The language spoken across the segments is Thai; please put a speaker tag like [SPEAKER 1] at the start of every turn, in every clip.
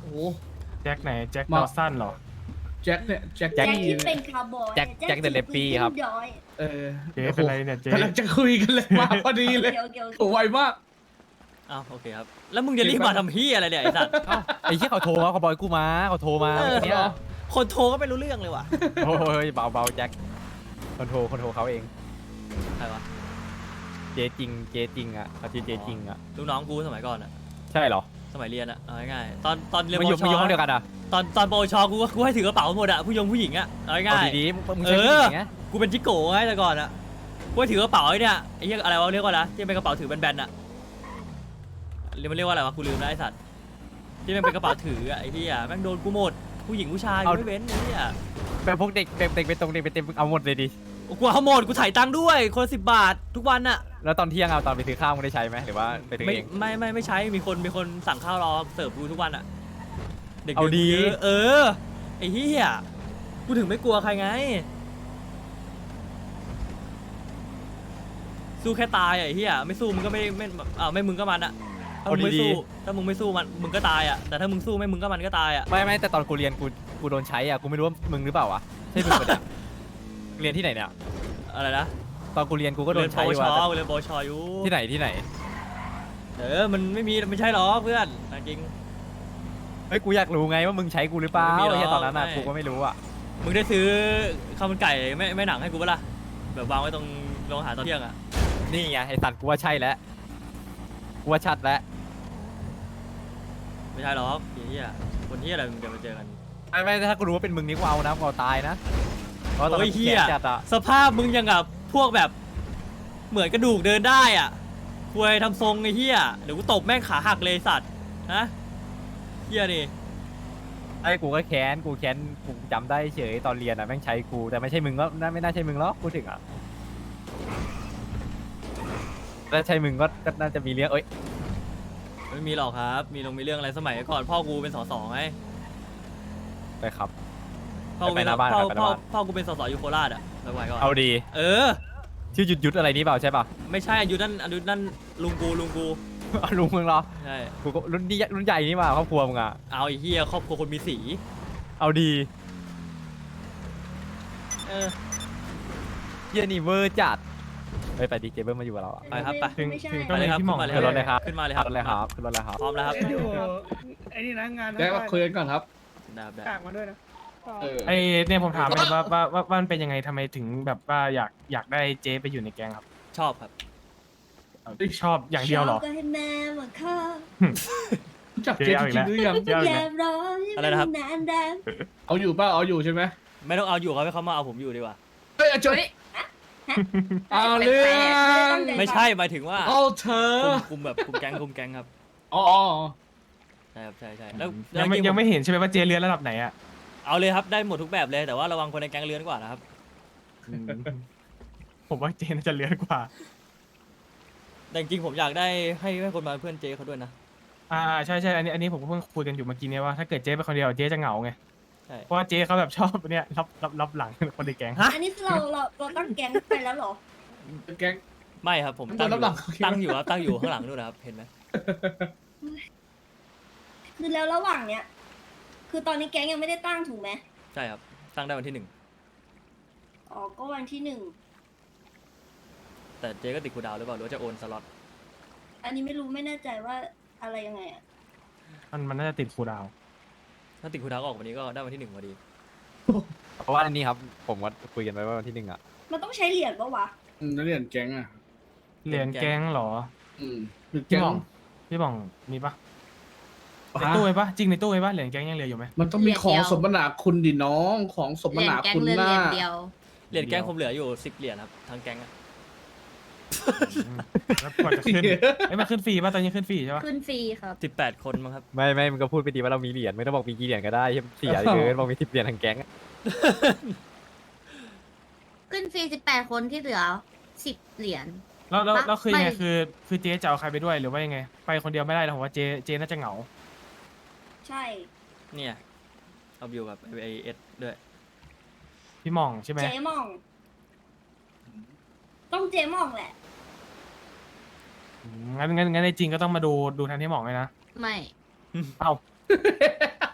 [SPEAKER 1] แจ็คไหนแจ็ค
[SPEAKER 2] มา
[SPEAKER 1] ดอสันเหรอ
[SPEAKER 2] แจ็คเนี่ยแจ็ค
[SPEAKER 3] แจ็ค
[SPEAKER 2] กี้
[SPEAKER 3] ที่
[SPEAKER 2] เนี่
[SPEAKER 3] เป็
[SPEAKER 2] ย
[SPEAKER 3] นคาร์บอย
[SPEAKER 4] แจ็คเดอะเลปปี้ครับ
[SPEAKER 3] ย้อย
[SPEAKER 2] เออ
[SPEAKER 1] เจ๊เป็นไรเนี่ยเจ๊
[SPEAKER 2] กำลังจะคุยกันเลยมาพอดีเลย
[SPEAKER 3] เกี่ยวเกี่ยว
[SPEAKER 2] โอ้ไวมาก
[SPEAKER 5] อ้าวโอเคครับแล้วมึงจะรีบมาทำเฮียอะไรเนี่ยไอ้สัตว์
[SPEAKER 4] ไอ้เหี้ยเขาโทรมาเขาบอกให้กูมาเขาโทรมาเมื่อกี้เนี่ย
[SPEAKER 5] คนโทรก็ไม่รู้เรื่องเลยว่ะ
[SPEAKER 4] โอ้ยเบาแจ็คคนโทรเขาเอง
[SPEAKER 5] ใครวะ
[SPEAKER 4] เจจริงอ่ะเขาชื่อเจจริงอ่ะ
[SPEAKER 5] ลูกน้องกูสมัยก่อนอะ
[SPEAKER 4] ใช่เหรอ
[SPEAKER 5] สมัยเรียนอะเอาง่ายๆตอนเรียน
[SPEAKER 4] ไม่
[SPEAKER 5] ป
[SPEAKER 4] อยู่
[SPEAKER 5] วช
[SPEAKER 4] ไม่อยู่ห้องเดียวกันอ่ะ
[SPEAKER 5] ตอนปวชกูให้ถือกระเป๋าหมดอะผู้หญิงอะเอา
[SPEAKER 4] เอา
[SPEAKER 5] ง่าย
[SPEAKER 4] ดีๆมึงใช้ผู้หญิงไง
[SPEAKER 5] ๆกูเป็นจิโก้ไงแต่ก่อนอะกูให้ถือกระเป๋าไอ้เนี่ยไอ้เหี้ยอะไรวะเรียกว่าอะไรที่เป็นกระเป๋าถือแบนๆอะมันเรียกว่าอะไรวะกูลืมแล้วไอ้สัตว์ที่มันเป็นกระเป๋าถืออะไอ้เหี้ยแม่งโดนกูหมดผู้หญิงผู้ชายกูไม่เว้นไอ้เหี้ย
[SPEAKER 4] แบบพวกเด็กไปตรงเด็กไปเต็มเอาหมดเลยดิ
[SPEAKER 5] กูเอาหมดกูถ่ายตังค์ด้วยคนละ10 บาททุกวันอะ
[SPEAKER 4] แล้วตอนเที่ยงเอาตอนไปซื้อข้าวมึงได้ใช้ไหมหรือว่าไปซื้อ
[SPEAKER 5] ไม่
[SPEAKER 4] เอง
[SPEAKER 5] ไม่ใช้มีคนสั่งข้าวรอเสิร์ฟกูทุกวันอะเด็ก
[SPEAKER 4] เอาดี
[SPEAKER 5] เยอะไอ้เหี้ยกูถึงไม่กลัวใครไงสู้แค่ตายอะไอ้เหี้ยไม่สู้มึงก็ไม่ไม่มึงก็มันอะถ้ามึงไม่สู้ถ้ามึงไม่สู้มันมึงก็ตายอะแต่ถ้ามึงสู้ไม่มึงก็มันก็ตายอะ
[SPEAKER 4] ไม่แต่ตอนกูเรียนกูโดนใช้อ่ะกูไม่รู้ว่ามึงหรือเปล่าวะใช่มึงปะเนี่ยเรียนที่ไหนเนี่ย
[SPEAKER 5] อะไรนะ
[SPEAKER 4] ตอนกูเรียนกูก็โด
[SPEAKER 5] เรีย
[SPEAKER 4] น
[SPEAKER 5] นป
[SPEAKER 4] ใช้
[SPEAKER 5] วช
[SPEAKER 4] ว่ะ
[SPEAKER 5] เรียนปวชอยู่
[SPEAKER 4] ที่ไหน
[SPEAKER 5] มันไม่ใช่หรอเพื่อนจริง
[SPEAKER 4] เฮ้ยกูอยากรู้ไงว่ามึงใช้กูหรือเปล่า
[SPEAKER 5] ไม่มีหรอก
[SPEAKER 4] ไอ้เหี้ยตอนนั้นอ่ะ
[SPEAKER 5] ไม่
[SPEAKER 4] กูก็ไม่รู้อ่ะ
[SPEAKER 5] มึงได้ซื้อข้าวมันไก่ไม่หนังให้กูปะล่ะแบบวางไว้ตรงโรงอาหารตอนเที่ยงอะ
[SPEAKER 4] นี่ไงไอ้สัตว์กูว่าใช่แล้วกูว่าชัดแล้ว
[SPEAKER 5] ไม่ใช่หรอกไอ้เหี้ยคนเหี้ยอะไรมึงจะมาเจอกัน
[SPEAKER 4] ไม่ถ้ากูรู้ว่าเป็นมึงนี่กูเอานะกูเอาตายนะเพราะตอน
[SPEAKER 5] โอ้
[SPEAKER 4] นั้
[SPEAKER 5] ย
[SPEAKER 4] น
[SPEAKER 5] เหี้ย
[SPEAKER 4] แก่จัดอ่ะ
[SPEAKER 5] สภาพมึงยังกับพวกแบบเหมือนกระดูกเดินได้อ่ะควยทำทรงไอ้เหี้ยเดี๋ยวกูตบแม่งขาหักเลยสัตว์ฮะเหี้ยนี่
[SPEAKER 4] ไอ้กูก็แค้นกูจำได้เฉยตอนเรียนอ่ะแม่งใช้กูแต่ไม่ใช่มึงก็ไม่น่าใช่มึงหรอกพูดถึงอ่ะถ้าใช่มึงก็น่าจะมีเรื่องเอ้ย
[SPEAKER 5] ไม่มีหรอกครับมีเรื่องอะไรสมัยก่อนพ่อกูเป็นสสไง
[SPEAKER 4] ไปครับ
[SPEAKER 5] พ่อกูเป็น
[SPEAKER 4] ไปหน้าบ้าน
[SPEAKER 5] พ่อ
[SPEAKER 4] ไปหน้าบ้าน
[SPEAKER 5] พ่อกูเป็นสสอยู่โคราชอ่ะสมัยก่อน
[SPEAKER 4] เอาดี
[SPEAKER 5] เออ
[SPEAKER 4] ชื่อยุดอะไรนี่เปล่าใช่ป่ะ
[SPEAKER 5] ไม่ใช่อายุนั่นลุงกู
[SPEAKER 4] เอาลุงมึงเหรอ
[SPEAKER 5] ใช่
[SPEAKER 4] กูก็รุ่นใหญ่นี่มาครอบครัวมึงอ่ะ
[SPEAKER 5] เอาไอ้เหี้ยครอบครัวคนมีสี
[SPEAKER 4] เอาดี
[SPEAKER 5] เออ
[SPEAKER 4] เหี้ยนี่เวอร์จัดเฮ้ยไปดีเจเบิ้มมาอยู่กับเราอ่ะ
[SPEAKER 5] ไปครับไป
[SPEAKER 1] ถึง
[SPEAKER 3] ไม่ใช่
[SPEAKER 1] ถึง
[SPEAKER 5] มาเลยครับ
[SPEAKER 1] พี่หม่อง
[SPEAKER 5] ขึ้นมาเลย
[SPEAKER 4] ขึ้นรถเลยครับ
[SPEAKER 5] ขึ้นมาเลยค
[SPEAKER 4] ขึ้
[SPEAKER 5] รับ
[SPEAKER 4] นรถเลยครับขึ้นรถเลยครับ
[SPEAKER 5] พร้อมแล้วครับ
[SPEAKER 6] อยู่ไอ้นี่นะงาน
[SPEAKER 2] แจ็คมาคุยกันก่อนครับ
[SPEAKER 5] ได้ครับได้
[SPEAKER 6] กากมาด้วยนะ
[SPEAKER 2] เออ
[SPEAKER 1] ไอเนี่ยผมถามเลยว่ามันเป็นยังไงทำไมถึงแบบว่าอยากได้เจ๊ไปอยู่ในแก๊งครับ
[SPEAKER 5] ชอบครับ
[SPEAKER 1] ชอบอย่างเดียวเหรอ
[SPEAKER 3] ชบก็ให้แม่มาฆ่า
[SPEAKER 2] รู้จักเจ๊จริงๆหรือยัง
[SPEAKER 1] เจ๊เอาอีก
[SPEAKER 3] แย
[SPEAKER 1] แล้ว
[SPEAKER 3] มร้อน
[SPEAKER 5] อะไรนะครับ
[SPEAKER 3] นานแดง
[SPEAKER 2] เอาอยู่ป่ะเอาอยู่ใช่ไหม
[SPEAKER 5] ไม่ต้องเอาอยู่ครับให้เขามาเอาผมอยู่ดีกว่า
[SPEAKER 2] เฮ้ยจุดเอาเรื่อง
[SPEAKER 5] ไม่ใช่หมายถึงว่า
[SPEAKER 2] เอาเธอ
[SPEAKER 5] คุมแบบคุมแก๊งครับ
[SPEAKER 2] อ๋อ
[SPEAKER 5] ใช่ครับใช่แล้ว
[SPEAKER 1] ยังไม่เห็นใช่ไหมว่าเจ๊เรือนระดับไหนอ่ะ
[SPEAKER 5] เอาเลยครับได้หมดทุกแบบเลยแต่ว่าระวังคนในแก๊งเลื้อนกว่านะครับ
[SPEAKER 1] ผมว่าเจ๊น่าจะเรือนกว่า
[SPEAKER 5] แต่จริงๆผมอยากได้ให้คนมาเป็นเพื่อนเจเขาด้วยนะ
[SPEAKER 1] ใช่อันนี้ผมก็เพิ่งคุยกันอยู่เมื่อกี้เนี่ยว่าถ้าเกิดเจ๊ไปคนเดียวเจ๊จะเหงาไง
[SPEAKER 5] ใช่
[SPEAKER 1] เพราะว่าเจ๊เขาแบบชอบเนี่ยรับหลังคนในแก๊ง
[SPEAKER 3] อันนี้เราตั้งแก๊งไปแล้วเหรอ
[SPEAKER 2] แก๊ง
[SPEAKER 5] ไม่ครับผม
[SPEAKER 2] ตอนรับหลัง
[SPEAKER 5] ตั้งอยู่ครับตั้งอยู่ข้างหลังนู่นนะครับเห็นไหม
[SPEAKER 3] คือแล้วระหว่างเนี้ยคือตอนนี้แก๊งยังไม่ได้ตั้งถูกไหม
[SPEAKER 5] ใช่ครับตั้งได้วันที่
[SPEAKER 3] อ๋อก็วันที่1
[SPEAKER 5] 1แต่เจก็ติดคูลดาวน์หรือเปล่าหรือว่าจะโอนสล็อต
[SPEAKER 3] อันนี้ไม่รู้ไม่แน่ใจว่าอะไรยังไงอ่ะ
[SPEAKER 1] มันน่าจะติดคูลดาวน์
[SPEAKER 5] ถ้าติดคูลดาวน์ก็ออกวันนี้ก็ได้วันที่1พอดี
[SPEAKER 4] เพราะว่าอันนี้ครับผมก็คุยกันไว้ว่าวันที่ 1อ่ะ
[SPEAKER 3] มันต้องใช้เหรียญปะวะ
[SPEAKER 2] นักเรียนแก๊งอ่ะ
[SPEAKER 1] เหรียญแก๊งเหรอ
[SPEAKER 2] คือ
[SPEAKER 1] พี่
[SPEAKER 2] แก๊ง
[SPEAKER 1] หม่องพี่หม่องมีปะในตู้ไว้ปะจริงในตู้ไว้ปะเหรียญแก๊งยังเหลืออยู่ไหม
[SPEAKER 2] มันต้องมีของสมนาคุณดิน้องของสมนาคุณหน้า
[SPEAKER 5] เหรียญแก๊งผมเหลืออยู่10 เหรียญครับทั้งแก๊งอะ
[SPEAKER 1] แล้วก่อนจะขึ้นมันขึ้นฟรีปะตอนนี้ขึ้นฟรีใช่ปะ
[SPEAKER 3] ขึ้นฟรีครับ
[SPEAKER 5] 18 คนมั้งครับ
[SPEAKER 4] ไม่มึงก็พูดไปดีว่าเรามีเหรียญไม่ต้องบอกมีกี่เหรียญก็ได้เสียเกินบอกมี10 เหรียญทางแก๊งอะ
[SPEAKER 7] ขึ้นฟรี18 คนที่เหลือ10 เหรียญ
[SPEAKER 1] แล้วคือยังไง
[SPEAKER 7] ไม่
[SPEAKER 1] คือเจ๊จะเอาใครไปด้วยหรือว่ายังไง ไปคนเดียวไม่ได้หรอกผมว่าเจ๊น่าจะเหงา
[SPEAKER 3] ใช่
[SPEAKER 5] เนี่ยเอาอยู่กับไอเอสด้วย
[SPEAKER 1] พี่หม่องใช่ไหม
[SPEAKER 3] เจ๊หม่อง ต้องเจ๊หม่องแหละ
[SPEAKER 1] งั้นในจริงก็ต้องมาดูทางที่หม่องเลยนะ
[SPEAKER 7] ไม่
[SPEAKER 1] เอ้า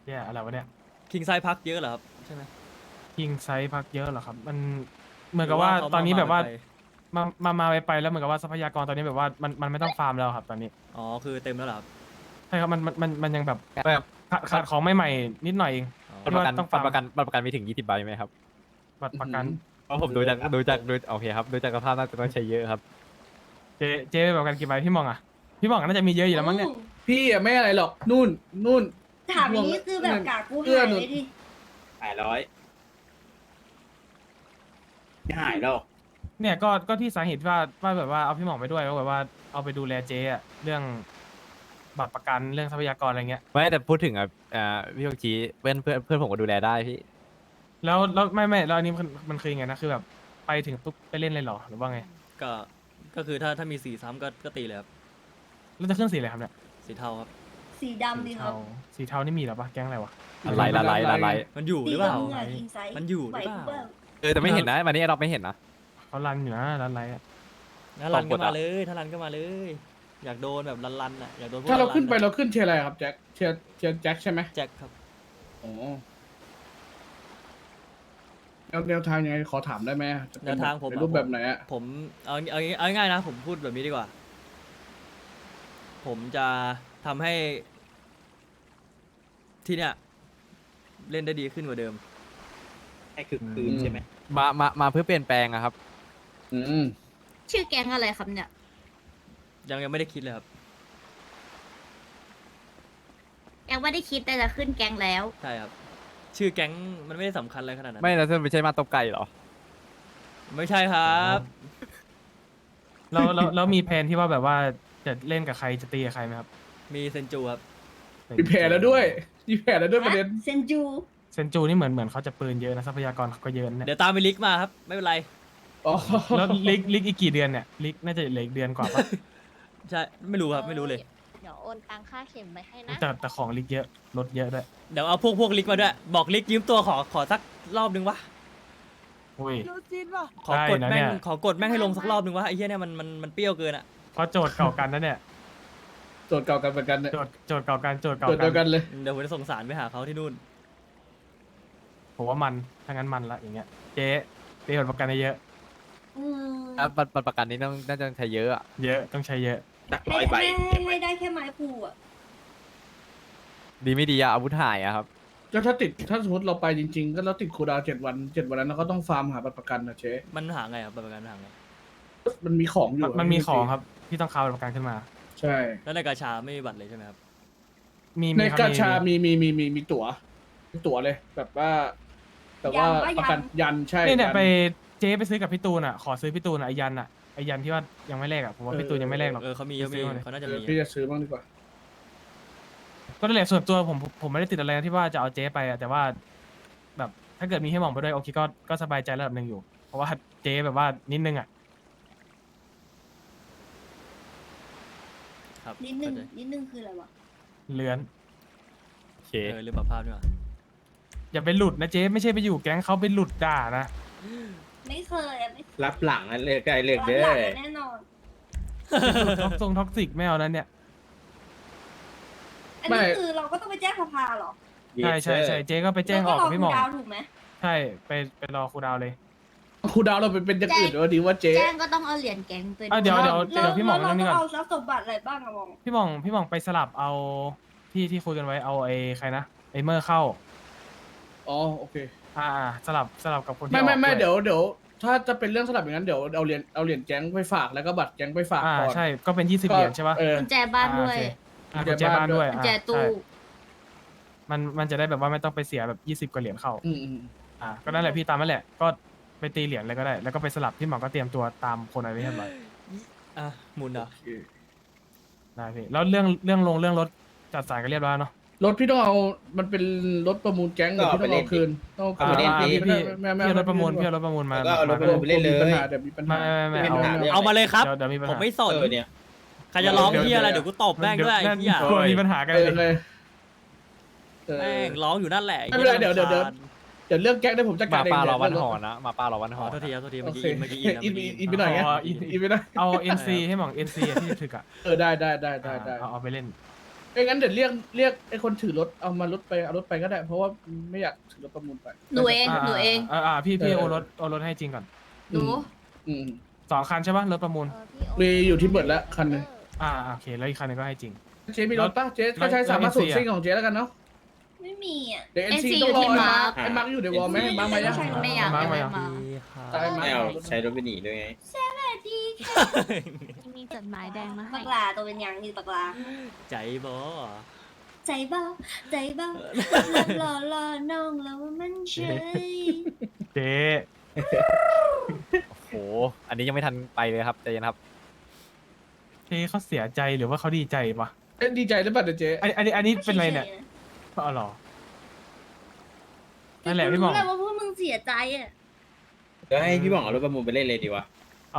[SPEAKER 1] เนี่ยอะไรวะเนี่ย
[SPEAKER 5] คิงไซพักเยอะเหรอครับใช่ไหม
[SPEAKER 1] คิงไซส์พักเยอะเหรอครับ มันเหมือนกับว่า
[SPEAKER 5] หรืเข
[SPEAKER 1] ตอนนี้แบบว่า
[SPEAKER 5] ไป
[SPEAKER 1] มาไปแล้วเหมือนกับว่าทรัพยากรตอนนี้แบบว่ามันไม่ต้องฟาร์มแล้วครับตอนนี้
[SPEAKER 5] อ๋อคือเต็มแล้วเหรอครับ
[SPEAKER 1] ใช่ครับมันยังแบบ
[SPEAKER 4] แบบ
[SPEAKER 1] ขาดของใหม่ๆนิดหน่อยเอง
[SPEAKER 5] อ๋อ
[SPEAKER 4] บัตรประกัน
[SPEAKER 1] ต้อง
[SPEAKER 4] บั
[SPEAKER 1] ฟา
[SPEAKER 4] ต
[SPEAKER 1] ร์ม
[SPEAKER 4] รประกันบัตรประกันมีถึง20 ใบไหมครับ
[SPEAKER 1] บัตรประกัน
[SPEAKER 4] เพราะผมดูจากโอเคครับดูจากสภาพน่าจะต้องใช้เยอะครับ
[SPEAKER 1] เจ๊แบบกันกี่ใบพี่มองอ่ะพี่มองน่าจะมีเยอะอยู่แล้วมั้งเนี่ย
[SPEAKER 2] พี่อะไม่อะไรหรอกนู่น
[SPEAKER 3] ถามอย่างนี้คือแบบกากกู
[SPEAKER 2] เอื้อ
[SPEAKER 3] หาย
[SPEAKER 2] หนุน
[SPEAKER 3] เลยดิ
[SPEAKER 8] 800ไม่หายหรอก
[SPEAKER 1] เนี่ยก็ที่สาเหตุว่าแบบว่าเอาพี่หมองไปด้วยก็แบบว่าเอาไปดูแลเจ๊อะเรื่องบัตรประกันเรื่องทรัพยากรอะไรเงี้ย
[SPEAKER 4] ไม่แต่พูดถึงพี่โอจีเพื่อนผมก็ดูแลได้พี่
[SPEAKER 1] แล้วไม่แล้วอันนี้มันคือยังไงนะคือแบบไปถึงปุ๊บไปเล่นเลยเหรอหรือว่าไง
[SPEAKER 5] ก็คือถ้ามีสีซ้ำก็ตีเลยครับ
[SPEAKER 1] แล้วจะขึ้นสีอะไรครับเนี่ย
[SPEAKER 5] สีเทาครับ
[SPEAKER 3] สีดำดีครับ
[SPEAKER 1] สีเทานี่มีเหรอปะแก๊งอะไรวะ
[SPEAKER 4] อะไรละไล
[SPEAKER 5] มันอยู่ห
[SPEAKER 3] สี
[SPEAKER 5] รือเปล่า
[SPEAKER 3] ดำเหงื่อคิงไซส์
[SPEAKER 5] มันอยู่หรือเปล่า
[SPEAKER 3] ไหว
[SPEAKER 4] แต่ไม่เห็นนะวันนี้เราไม่เห็นนะ
[SPEAKER 1] เขารันอยู่นะรันไรอะ
[SPEAKER 5] ถ้ารัน
[SPEAKER 4] ต
[SPEAKER 5] ก็
[SPEAKER 4] บกด
[SPEAKER 5] มา
[SPEAKER 4] อะ
[SPEAKER 5] เลยถ้ารันก็มาเลย อยากโดนแบบรันอ่ะอยากโดนพวก
[SPEAKER 2] ถ้าเราขึ้นไป
[SPEAKER 5] ๆอะ
[SPEAKER 2] เราขึ้นเทียร์อะไรครับแจ็คเทียร์แจ็คใช่ไหม
[SPEAKER 5] แจ็คครับ
[SPEAKER 2] อ๋อแนวทางยังไงขอถามได้ไหมจะเป็
[SPEAKER 5] แนวทางผม
[SPEAKER 2] เป็น
[SPEAKER 5] อะ
[SPEAKER 2] รูปแบบไหนอะ
[SPEAKER 5] ผมเอาง่ายๆนะ ผมพูดแบบนี้ดีกว่า ผมจะทำให้ที่เนี่ยเล่นได้ดีขึ้นกว่าเดิม
[SPEAKER 8] ให้คือคืนใช่ไหม
[SPEAKER 4] มาเพื่อเปลี่ยนแปลงอะครับ
[SPEAKER 2] อืม
[SPEAKER 7] ชื่อแก๊งอะไรครับเนี่ย
[SPEAKER 5] ยังไม่ได้คิดเลยครับ
[SPEAKER 7] แก๊งไม่ได้คิดแต่จะขึ้นแก๊งแล้ว
[SPEAKER 5] ใช่ครับ ชื่อแก๊งมันไม่ได้สำคัญอะไรขนาดนั้น
[SPEAKER 4] ไม่แล้วไม่ใช่มาตบไก่เหรอ
[SPEAKER 5] ไม่ใช่ครับ
[SPEAKER 1] แล้วมีแผนที่ว่าแบบว่าจะเล่นกับใครจะตีกับใครไหมครับ
[SPEAKER 5] มีเซนจูครับ
[SPEAKER 2] มีแผนแล้วด้วยประเด็น
[SPEAKER 3] เซนจู
[SPEAKER 1] เซนจูนี่เหมือนเขาจะปืนเยอะนะทรัพยากรเขาก็เยอะนะ
[SPEAKER 5] เดี๋ยวตามไปลิกมาครับ ไม่เป็นไร
[SPEAKER 2] อ๋อ
[SPEAKER 1] แล้วลิกอีกกี่เดือนเนี่ยลิกน่าจะเหลืออีกเดือนกว่าปะ
[SPEAKER 5] ใช่ ไม่รู้ครับ ไม่รู้เลย
[SPEAKER 7] เดี๋ยวโอนตังค่าเข็มไปให้นะ
[SPEAKER 1] แต่ของลิกเยอะลดเยอะด้วย
[SPEAKER 5] เดี๋ยวเอาพวกลิกมาด้วย บอกลิกยืมตัวขอสักรอบนึงวะ
[SPEAKER 1] อุ้ย
[SPEAKER 5] ขอกด
[SPEAKER 1] ได้นะ
[SPEAKER 5] แม่
[SPEAKER 1] เนี่
[SPEAKER 5] ง
[SPEAKER 1] ย
[SPEAKER 5] ขอกดแม่งให้ลงสักรอบนึงวะไอ้เหี้ยเนี่ยมันเปรี้ยวเกินอะ
[SPEAKER 1] เพราะโจทย์เก่ากันนะเนี่ย
[SPEAKER 2] โจทย์เก่ากันเหมือนกันเนี่ย
[SPEAKER 1] โจทย์เก่ากันโจทย์เก่า
[SPEAKER 2] โจทย์เดียว
[SPEAKER 1] กั
[SPEAKER 2] กัน นเลย
[SPEAKER 5] เดี๋ยวผมจะส่งสารไปหาเขาที่นู่น
[SPEAKER 1] ผมว่ามันถ้างั้นมันละอย่างเงี้ยเจ๊ตีผลประกันได้เยอะ
[SPEAKER 3] อืม
[SPEAKER 4] บัตรประกันนี้น่าจะใช้เยอะอะ
[SPEAKER 1] เยอะต้องใช้เยอะ
[SPEAKER 8] จาก
[SPEAKER 3] ให้
[SPEAKER 8] 100 ใบ
[SPEAKER 3] ให้ได้แค่ไม้พูอ่ะ
[SPEAKER 4] ดีไม่ดีอะอาวุธหายอะครับ
[SPEAKER 2] ก็ถ้าสมมติเราไปจริง ๆ ก็เราติดคูลดาวน์7 วันนั้นเราก็ต้องฟาร์มหาบัตรประกันนะเช
[SPEAKER 5] มันหาไงครับประกันหาไง
[SPEAKER 2] มันมีของอยู่
[SPEAKER 1] มันมีของครับที่ต้องคาผลประกันขึ้นมา
[SPEAKER 2] ใช่
[SPEAKER 5] แล้วในกาชาไม่มีบัตรเลยใช่ไหมครับ
[SPEAKER 1] มี
[SPEAKER 2] ใน
[SPEAKER 1] ครับ
[SPEAKER 2] กาชามีตั๋วเลย แบบว่า แต่ว่าประกันยันใช่
[SPEAKER 1] เนี่ย
[SPEAKER 2] ยั
[SPEAKER 1] ไปเจ๊ไปซื้อกับพี่ตูนอ่ะขอซื้อพี่ตูนอะไอยันอ่ะไอยันที่ว่ายังไม่แลกอ่ะผมว่าพี่ตูนยังไม่แลกหรอก
[SPEAKER 5] เขามี
[SPEAKER 1] ซื้อมาเลย
[SPEAKER 5] เขาน่าจะ
[SPEAKER 2] เออ
[SPEAKER 5] มี
[SPEAKER 2] พี่จะซื้อบ้างดีกว่า
[SPEAKER 1] ก็นั่นแหละส่วนตัวผมไม่ได้ติดอะไรนะที่ว่าจะเอาเจ๊ไปอะแต่ว่า แบบถ้าเกิดมีให้หมองไปด้วยโอเคก็สบายใจระดับหนึ่งอยู่ เพราะว่าเจ๊แบบว่านิดนึงอ่ะ
[SPEAKER 5] ครับ
[SPEAKER 3] นิดนึง
[SPEAKER 5] เข้าใจ
[SPEAKER 3] นิดนึงคืออะไรวะ
[SPEAKER 1] เลือน
[SPEAKER 4] โอเค
[SPEAKER 5] ลืมปรับภาพด้วยว่ะ
[SPEAKER 1] อย่าไปหลุดนะเจ๊ไม่ใช่ไปอยู่แก๊งเขาไปหลุดด่านะ
[SPEAKER 3] ไม่เคยอะไม่เคย
[SPEAKER 8] รับหลังนั่นเลยไกลเลือกเด้
[SPEAKER 3] หลั
[SPEAKER 8] อง
[SPEAKER 3] แน่นอน
[SPEAKER 1] ท็อกซิกไม่เอานั้นเนี่ย
[SPEAKER 3] อันนี้คือเราก็ต้องไปแจ้งสภาเหรอ
[SPEAKER 1] ใช่เจ๊ก็ไปแจ้งออกกับพี่หมอง
[SPEAKER 3] แล้วก็รอคุณดาวถูกไหม
[SPEAKER 1] ใช่ไปรอครูดาวเลย
[SPEAKER 2] คูลดาวน์เราเป็นอย่างอื่นหรือว่าดีว่าเจ๊
[SPEAKER 7] แจ้งก็ต้องเอาเหรียญแก๊งไป
[SPEAKER 1] อ่ะเดี๋ยว
[SPEAKER 3] แล้ว
[SPEAKER 1] พี่หมอง
[SPEAKER 3] เรา
[SPEAKER 1] เรื่องนี้
[SPEAKER 3] ต้อ
[SPEAKER 1] ก่อน
[SPEAKER 3] งเอาทรัพย์สมบัติอะไรบ้างอะมอง
[SPEAKER 1] พี่หมองไปสลับเอาที่คุยกันไว้เอาไอ้ใครนะไอ้เมอร์เข้า
[SPEAKER 2] อ๋อโอเค
[SPEAKER 1] สลับกับคนที่
[SPEAKER 2] ไม่
[SPEAKER 1] ออก
[SPEAKER 2] เดี๋
[SPEAKER 1] วย
[SPEAKER 2] วถ้าจะเป็นเรื่องสลับอย่างนั้นเดี๋ยวเอาเหรียญแก๊งไปฝากแล้วก็บัตรแก๊งไปฝากก่อน
[SPEAKER 1] ใช่ก็เป็น20เหรียญใช่ปะ
[SPEAKER 2] เออ
[SPEAKER 7] กุญแจบ้านด้วย
[SPEAKER 1] กุญแจบ้านด้วย
[SPEAKER 7] กุญแจตู้
[SPEAKER 1] ใช่มันจะได้แบบว่าไม่ต้องไปเสียแบบ20กว่าเหรียญเข้า
[SPEAKER 2] อืม
[SPEAKER 1] ก็นั่นแหละพี่ตามนั่นแหละก็ไปตีเหรียญเลยก็ได้ แล้วก็ไปสลับพี่หมอก็เตรียมตัวตามคนอะไรไว้เรียบร้อย
[SPEAKER 5] อ่ะหมุนเหรอ
[SPEAKER 1] ได้พี่แล้วเรื่องรถจัดสรรก็เรียบร้อยเนาะ
[SPEAKER 2] รถพี่ต้องเอามันเป็นรถประมูลแก๊งเดี๋ยวพี่ต้องเอาคืนต้องเอาคืน
[SPEAKER 1] พี่เอารถประมูลมา
[SPEAKER 8] ก็เอารถไปเล่นเลย
[SPEAKER 2] เดี๋ยวมีปัญหา
[SPEAKER 1] ไม่
[SPEAKER 8] ไม่มีปัญหาเรื่อง
[SPEAKER 5] เอามาเลยครับ
[SPEAKER 1] เดี๋ยวมีปัญ
[SPEAKER 5] ผ
[SPEAKER 1] หาม
[SPEAKER 5] ไม่สน
[SPEAKER 8] เนี่ย
[SPEAKER 5] ใครจะร้องที่อะไรเดี๋ยวกูตบแม่งด้วยไอ้เหี้ย
[SPEAKER 1] กลัวมีปัญหากัน
[SPEAKER 2] เอ
[SPEAKER 1] เล
[SPEAKER 2] อย เลย
[SPEAKER 5] แม่งร้องอยู่นั่นแหละ
[SPEAKER 2] ไม่เป็นไรเดี๋ยวเรื่องแก๊งได้ผมจัด
[SPEAKER 4] ห
[SPEAKER 2] กา
[SPEAKER 4] มา
[SPEAKER 2] รเอง
[SPEAKER 4] ป้ารอวันหอนะหมาป้ารอวันห
[SPEAKER 5] อ๋
[SPEAKER 4] อ
[SPEAKER 5] อโทษทีครับโทษที
[SPEAKER 2] โอ
[SPEAKER 5] เมื่อกี้
[SPEAKER 2] เค
[SPEAKER 5] เมื่อกี้
[SPEAKER 2] อินไปหน่อยไงอินไปหน่อย
[SPEAKER 1] เอา NC ให้หมอง NC ที่ถึกอ่ะ
[SPEAKER 2] ได้
[SPEAKER 1] เอาไปเล่น
[SPEAKER 2] ไม่งั้นเดี๋ยวเรียกไอ้คนถือรถเอารถไปก็ได้ เพราะว่าไม่อยากถือรถประมูลไป
[SPEAKER 7] หนูเองหนูเอง
[SPEAKER 1] พี่
[SPEAKER 2] เออ
[SPEAKER 1] โอนรถให้จริงก่อน
[SPEAKER 7] หนู
[SPEAKER 2] อืม
[SPEAKER 1] 2 คันใช่ปะรถประมูล
[SPEAKER 2] มีอยู่ที่เบิร์ดแล้วคันหนึง
[SPEAKER 1] โอเคแล้วอีกคันหนึงก็ให้จริง
[SPEAKER 2] เจ๊มีรถปะเจ๊ก็ใช้
[SPEAKER 1] แล้ว
[SPEAKER 2] สามารถสูตร
[SPEAKER 1] NC
[SPEAKER 2] ซิ่งของเจ๊แล้วกันเนาะ
[SPEAKER 3] ไม่มีอ่ะ
[SPEAKER 2] เดี๋ยว NC
[SPEAKER 7] NC
[SPEAKER 2] ต้องรอ
[SPEAKER 7] อยู่ที่มาร์ค
[SPEAKER 2] ไอ้มาร์คอยู่ในวอลไหมมาร์คมายัง
[SPEAKER 7] ไม่อยาก
[SPEAKER 1] มา
[SPEAKER 7] ยังไม่
[SPEAKER 1] มา
[SPEAKER 7] มา
[SPEAKER 2] ตายมา
[SPEAKER 8] ไม่เอาใช้รถไปหนีด้วยไง
[SPEAKER 7] มีจดหมายแดงมาให้
[SPEAKER 3] ปักลาตัวเป็นยังนี่ปักลา
[SPEAKER 5] ใจบอ
[SPEAKER 3] ใจเบ้าใจเบ้า รอน้องแล้วมันเฉย
[SPEAKER 1] เจ๊
[SPEAKER 4] โอ้โหอันนี้ยังไม่ทันไปเลยครับใจเย็นครับ
[SPEAKER 1] เจ๊เขาเสียใจหรือว่าเขาดีใจปะ
[SPEAKER 2] เอ้ยดีใจหรือเปล่าเดี๋ยวเจ๊
[SPEAKER 1] อันนี้เป็นไรเนี่ยอ๋อเหรอ นั่นแหละพี่หม่อง
[SPEAKER 3] รู้แหละว่าพวกมึงเสียใจอ่ะ
[SPEAKER 8] เดี๋ยวให้พี่บอกเอารถประมูลไปเล่นเลยดีวะ
[SPEAKER 1] เอา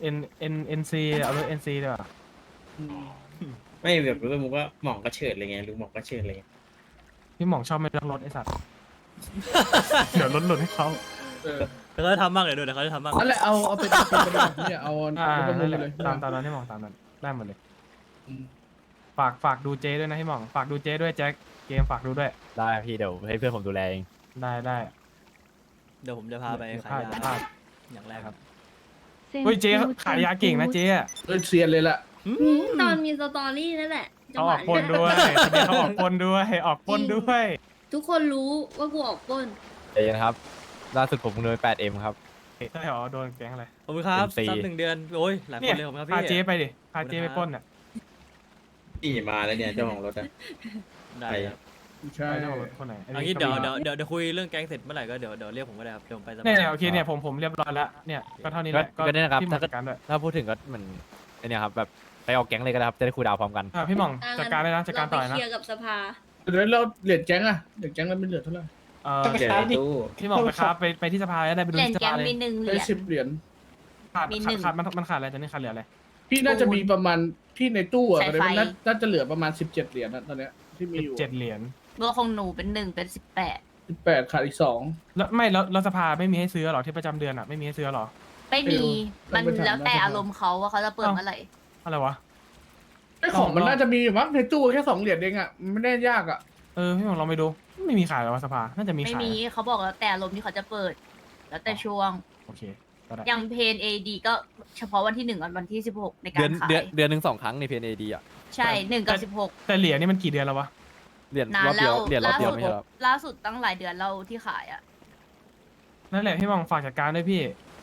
[SPEAKER 1] NC เอารถ NC ดีกว่า
[SPEAKER 2] อืม
[SPEAKER 8] ไม่แบบรถประมูลก็หม่องก็เฉิดเลยไงลุงหม่องก็เฉิดเลยไง
[SPEAKER 1] พี่หม่องชอบไม่รักรถไอ้สัตว์ เดี๋ยวรถหลุดให้เขา
[SPEAKER 2] เออ
[SPEAKER 5] แต่เขาจะทำบ้างเลยด้วยแต่เขาจะทำบ้าง
[SPEAKER 2] นั่นแหละเอาไปเนี่ยเอารถประมู
[SPEAKER 1] นั่
[SPEAKER 2] ล
[SPEAKER 1] นแห
[SPEAKER 2] ไป
[SPEAKER 1] ละ
[SPEAKER 2] เลย
[SPEAKER 1] ตามนั้นพี่หม่องตามนั้นได้หมดเลย
[SPEAKER 2] อืม
[SPEAKER 1] ฝากดูเจ๊ด้วยนะพี่หม่องฝากดูเจ๊ด้วยแจ็คเกมฝากดูด้วย
[SPEAKER 4] ได้พี่เดี๋ยวให้เพื่อนผมดูแลเอง
[SPEAKER 1] ได้
[SPEAKER 5] เดี๋ยวผมจะพาไป
[SPEAKER 1] เดี๋ยว
[SPEAKER 5] ขาย
[SPEAKER 1] พลาด
[SPEAKER 5] ยา
[SPEAKER 1] พลาด
[SPEAKER 5] อย่างแรกครับ
[SPEAKER 1] เฮ้ยเจ๊ขายยาเก่งนะเจ๊อะ
[SPEAKER 2] เซียนเลยล่ะ
[SPEAKER 3] ตอนมีสตอรี่นั่นแหละจัง
[SPEAKER 1] เขา
[SPEAKER 3] ห
[SPEAKER 1] อ
[SPEAKER 3] วะ
[SPEAKER 1] อกปล้นด้วยเขาออกปล้นด้วยออกปล้นด้วย
[SPEAKER 3] ทุกคนรู้ว่ากูออกปล้น
[SPEAKER 4] ใจเย็นครับล่าสุดผมโดน 8M ครับ
[SPEAKER 1] ใช่เหรอโดนแก๊งอะไร
[SPEAKER 5] ขอบคุณครับ
[SPEAKER 4] เป็นปี
[SPEAKER 5] ซับ1 เดือนโอ้ยหลายค
[SPEAKER 1] เนี่ย
[SPEAKER 5] นเลยผมครับ
[SPEAKER 1] พา
[SPEAKER 5] พี่
[SPEAKER 1] เจ๊ไปดิพาเจ๊ไปปล้นอ่ะ
[SPEAKER 8] นี่มาแล้วเนี่ยเจ้าของรถอะ
[SPEAKER 5] ได้ครับ
[SPEAKER 2] ใช่
[SPEAKER 1] ไปเจ้าของรถคนไหน
[SPEAKER 5] เอันนี้เดี๋ยวคุยเรื่องแก๊งเสร็จเมื่อไหร่ก็เดี๋ยวเรียกผมก็ได้ครับเดี๋ยวผมไปสมัคร
[SPEAKER 1] เนี่ยโอเคเนี่ยผมเรียบร้อยแล้วเนี่ยก็เท่านี้แหละ
[SPEAKER 4] ก็เนี่ยนะครับ
[SPEAKER 1] พี่หม่องจัดการด้วย
[SPEAKER 4] ถ้าพูดถึงก็เหมือนไอ้เนี่ยครับแบบไปออกแก๊งเลยก็ได้ครับจะได้คูลดาวน์พร้อมกัน
[SPEAKER 1] พี่หม่องจัดการเลยนะจัดการต่อ
[SPEAKER 3] เไป
[SPEAKER 1] นะ
[SPEAKER 3] เคลียร์กับสภา
[SPEAKER 2] เดี๋ยวเราเหรียญแก๊งอะเหรียญแก๊งเราไม่เหลือเท่าไหร่
[SPEAKER 8] เจอในตู้
[SPEAKER 1] พี่หม่องไปครับไปที่สภาแล้วได้ไปดู
[SPEAKER 7] เหรียญ
[SPEAKER 1] ที่ส
[SPEAKER 7] แก
[SPEAKER 1] ภาง เลย
[SPEAKER 7] มี1 เห
[SPEAKER 2] ได้
[SPEAKER 7] รียญ
[SPEAKER 2] 10 เหรียญ
[SPEAKER 1] ขาด
[SPEAKER 7] มีหนึ่ง
[SPEAKER 1] มันขาดอะไรตอนนี้ขาดเหลืออะไร
[SPEAKER 2] พี่น่าจะมีประมาณพี่ในตู้อะ
[SPEAKER 7] สาย
[SPEAKER 2] ตอน
[SPEAKER 7] ไฟ
[SPEAKER 2] นี้มันน่าจะเหลือประมาณ17 เหรียญนะตอนเนี้ยที่มีอยู่
[SPEAKER 1] 7 เหรียญ
[SPEAKER 7] ตัวของหนูเป็น1เป็น18
[SPEAKER 2] 18ขาดอีก2
[SPEAKER 1] แล้วไม่แล้วสภาไม่มีให้ซื้อหรอที่ประจำเดือนอ่ะไม่มีให้ซื้อหรอ
[SPEAKER 7] ไม่มี
[SPEAKER 2] ต้
[SPEAKER 7] มั
[SPEAKER 2] อน งไปถาม
[SPEAKER 7] แล้วแต่
[SPEAKER 2] ราชการ
[SPEAKER 7] อารมณ์เขาว่าเขาจะเปิดเมื่อไหร่
[SPEAKER 1] อะไรวะ
[SPEAKER 2] ไอ้ของมันน่าจะมีอยู่มั้งในตู้แค่2 เหรียญเองอะไม่ได้ยากอะ
[SPEAKER 1] พี่หม่องลองไปดูไม่มีขายหรอวะสภาน่าจะมี
[SPEAKER 7] ไม่
[SPEAKER 1] ขาย
[SPEAKER 7] มีเขาบอกแล้วแต่อารมณ์ที่เขาจะเปิด แล้วแต่ช่วง
[SPEAKER 1] โอเคก็ได้
[SPEAKER 7] อย่างเพนเอดีก็เฉพาะวันที่1กับวันที่16ในกา
[SPEAKER 4] เดือน
[SPEAKER 7] รขาย
[SPEAKER 4] เดือนหนึ่ง2 ครั้งใน PNAD อ่ะ
[SPEAKER 7] ใช่1กับ16
[SPEAKER 1] แต่เหรียญนี่มันกี่เดือนแล้ววะ
[SPEAKER 4] เหรียญ
[SPEAKER 7] นาร
[SPEAKER 4] อน บ
[SPEAKER 7] แล้
[SPEAKER 4] เดียว
[SPEAKER 7] ว
[SPEAKER 4] เหรียญรอบ
[SPEAKER 7] ล่า
[SPEAKER 4] เดียว
[SPEAKER 7] สุด
[SPEAKER 4] ไม่ใช่เหรอ
[SPEAKER 7] ล่าสุดตั้งหลายเดือนเราที่ขายอ่ะ
[SPEAKER 1] นั่นแหละพี่หม่องฝากจัดการด้วยพี่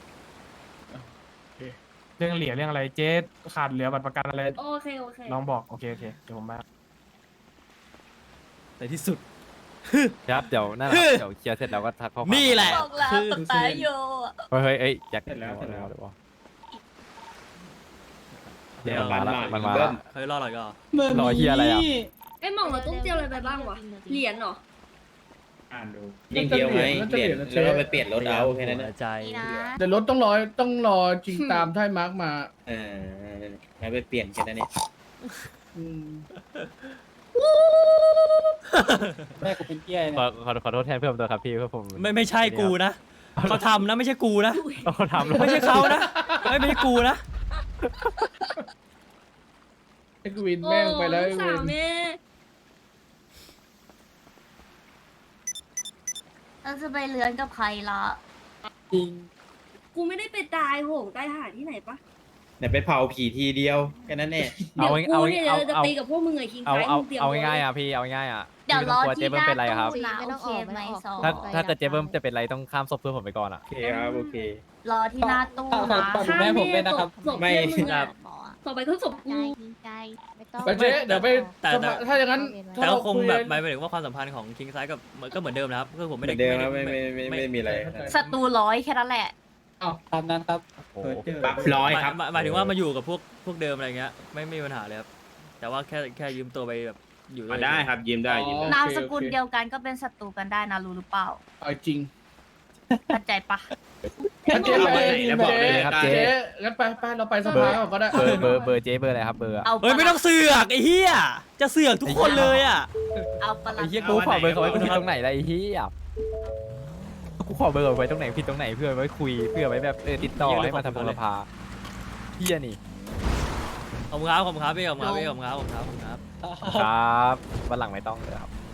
[SPEAKER 1] เรื่องเหรียญเรื่องอะไรเจ๊ขาดเหลือบัตรประกันอะไร
[SPEAKER 3] โอเค
[SPEAKER 1] ลองบอกโอเคเดี๋ยวผมมา
[SPEAKER 5] ในที่สุด
[SPEAKER 4] ครับเดี๋ยวนั่นแหละครับเดี๋ยวเคลียร์เสร็จแล้วก็ทักข้อความ
[SPEAKER 5] นี่แหละ
[SPEAKER 7] บอกแล้ว
[SPEAKER 5] คือ
[SPEAKER 7] ตายโย
[SPEAKER 4] เฮ้ยเอ้ยอยาก
[SPEAKER 8] เสร็จแล้ว
[SPEAKER 4] เดี๋ยวมันมาละ
[SPEAKER 5] เขาจะรอหน่อยก็
[SPEAKER 4] รอเฮียอะไรอ่ะ
[SPEAKER 3] ไอ้หม่องเราต้องเจียวอะไรไปบ้างวะเหรียญเหรอ
[SPEAKER 8] อ่านดูยิงเดียวไหมเหรียญแล้วก็ไปเปลี่ยนรถเอาแค่นั้น
[SPEAKER 5] หั
[SPEAKER 8] นะ
[SPEAKER 5] วใจ
[SPEAKER 7] นี่นะ
[SPEAKER 2] แต่รถต้องรอจริงตามที่มาร์กมา
[SPEAKER 8] แล้วไปเปลี่ยนแค่นั้นเอง
[SPEAKER 2] อืม
[SPEAKER 6] แม่กูเป็นเกี้ย
[SPEAKER 4] ขอโทษแทนเพื่อนผมด้วยครับพี่เพื่อนผม
[SPEAKER 5] ไม่ใช่กูนะเขาทำนะไม่ใช่กูนะ
[SPEAKER 4] เขาทำแล้ว
[SPEAKER 5] ไม่ใช่เขานะไม่ใช่กูนะ
[SPEAKER 2] ไอ้กวินแม่งไปแล้ว
[SPEAKER 3] โอ้
[SPEAKER 2] ไอ้
[SPEAKER 3] ลูก
[SPEAKER 2] เว
[SPEAKER 3] สาวน แม่
[SPEAKER 7] เราจะไปเรือนกับใครละ
[SPEAKER 6] จริง
[SPEAKER 3] กูไม่ได้ไปตายโหงตายหาที่ไหนปะ
[SPEAKER 8] เดี๋ยวไปเผาผีทีเดียวแค่นั้นเอง
[SPEAKER 3] เดี๋ยวกูเนี่ยจะตีกับพวกมึงไอ้คิงไคมึงเตรียม
[SPEAKER 4] เอาง่ายๆอ่ะพี่เอาง่ายๆอ่ะ
[SPEAKER 7] เดี๋ยวรอ
[SPEAKER 4] ไม่ต้งกลัวเจ๊
[SPEAKER 7] ที่
[SPEAKER 4] เบิ้ม
[SPEAKER 7] หน้า
[SPEAKER 4] เป็นไรครับ
[SPEAKER 7] ตู้นะโอเคไหมสอง
[SPEAKER 4] ถ้าเกิดเจ๊เบิ้มจะเป็นไรต้องข้ามศพเพื่อนผมไปก่อนอ่ะ
[SPEAKER 8] โอเคครับโอเค
[SPEAKER 7] รอที่หน้าตู้นะ
[SPEAKER 3] ฆ่าแม่ผมเลยนะครับศพ
[SPEAKER 8] ไม่
[SPEAKER 3] เพื่อนมึงอะต่อไปก็ศพกู
[SPEAKER 2] ไปเจ๊เดี๋ยวไป
[SPEAKER 5] แต่
[SPEAKER 2] ถ้าอย่างนั้น
[SPEAKER 5] แต่ก็คงแบบห
[SPEAKER 2] ไม่
[SPEAKER 5] มายถึงว่าความสัมพันธ์ของคิงไซด์กับก็เหมือนเดิมนะครับคือผม
[SPEAKER 8] เหมื
[SPEAKER 5] ไม่
[SPEAKER 8] อ
[SPEAKER 5] ได้
[SPEAKER 8] นเดิมครับไม่มีอะไร
[SPEAKER 7] ศัตรู100แค่นั้นแหละ
[SPEAKER 6] ตามนั้นครับ
[SPEAKER 4] โอ้โห
[SPEAKER 8] บัฟร้อยครับ
[SPEAKER 5] หมายถึงว่ามาอยู่กับพวกเดิมอะไรเงี้ยไม่มีปัญหาเลยครับแต่ว่าแค่ยืมตัวไปแบบอยู่ด้วย
[SPEAKER 8] ได้ครับยืมได้ยืมได้
[SPEAKER 7] นามสกุลเดียวกันก็เป็นศัตรูกันได้นะรู้หรือเปล่า
[SPEAKER 2] เอาจริง
[SPEAKER 7] เข้าใจปะ
[SPEAKER 2] เจ๊ไป
[SPEAKER 8] เอาไปไหนแล้วบอกเลยครับ
[SPEAKER 2] เจ๊งั้นไปเราไปสภาก่อนก็ได้
[SPEAKER 4] เบอร์เจ๊เบอร์อะไรครับเบอร์อะ
[SPEAKER 7] เอา
[SPEAKER 5] เฮ้ยไม่ต้องเสือกไอ้เหี้ยจะเสือกทุกคนเลยอ่ะ
[SPEAKER 7] เอาปะ
[SPEAKER 4] ไอ้
[SPEAKER 7] ละ
[SPEAKER 4] เหี้ยกูขอเบอร์เขาไว้ผิดตรงไหนล่ะไอ้เหี้ยกูขอเบอร์ไว้ตรงไหนผิดตรงไหนเพื่อไว้คุยเพื่อไว้แบบติดต่อให้มาทำบุรพาเหี้ยนี่
[SPEAKER 5] ขอบคุณครับขอบคุณครับพี่ขอบคุณครับพี่ขอบคุณครับขอบคุณครับขอบคุณครับ
[SPEAKER 4] ครับวันหลังไม่ต้องเลยครับ